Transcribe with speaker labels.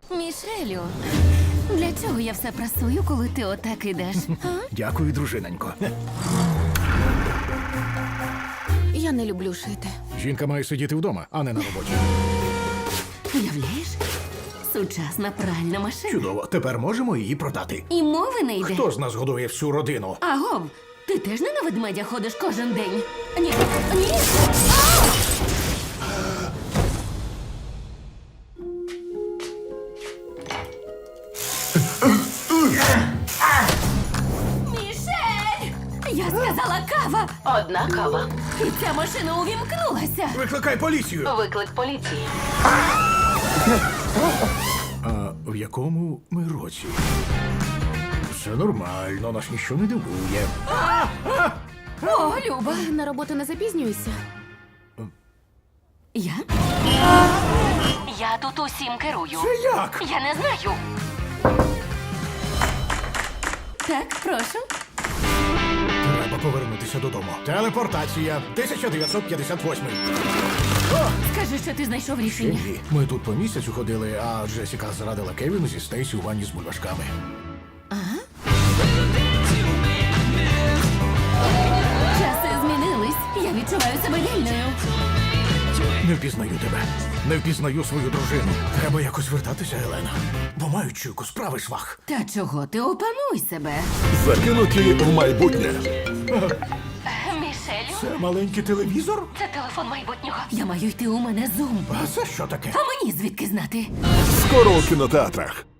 Speaker 1: Мішелю, для чого я все прасую, коли ти отак ідеш? А?
Speaker 2: Дякую, дружинонько.
Speaker 1: Я не люблю шити.
Speaker 2: Жінка має сидіти вдома, а не на роботі.
Speaker 1: Уявляєш? Сучасна пральна машина.
Speaker 2: Чудово, тепер можемо її продати.
Speaker 1: І мови не йде.
Speaker 2: Хто з нас годує всю родину?
Speaker 1: Агов, ти теж не на ведмедя ходиш кожен день? Ні, ні. Мішель! Я сказала кава!
Speaker 3: Одна кава.
Speaker 1: І ця машина увімкнулася.
Speaker 2: Викликай поліцію!
Speaker 3: Виклик поліції.
Speaker 2: А в якому ми році? Все нормально, нас ніщо не дивує.
Speaker 1: О, Люба!
Speaker 4: На роботу не запізнюйся.
Speaker 1: Я?
Speaker 3: Я тут усім керую.
Speaker 2: Це як?
Speaker 3: Я не знаю.
Speaker 1: Так, прошу.
Speaker 2: Треба повернутися додому. Телепортація 1958.
Speaker 1: Скажи, що ти знайшов рішення.
Speaker 2: Ні, ми тут по місяцю ходили, а Джесіка зрадила Кевіну зі Стейсі у ванні з бульбашками.
Speaker 1: Часи змінились. Я відчуваю себе вільною.
Speaker 2: Не впізнаю тебе. Не впізнаю свою дружину. Треба якось вертатися, Елена. Бо маю чуйку, справи швах.
Speaker 1: Та чого ти опануй себе?
Speaker 5: Закинуті в майбутнє.
Speaker 3: Мішелю,
Speaker 2: Це маленький телевізор?
Speaker 3: це телефон майбутнього.
Speaker 1: Я маю йти, у мене зум.
Speaker 2: А це що таке?
Speaker 1: А мені звідки знати?
Speaker 5: Скоро у кінотеатрах.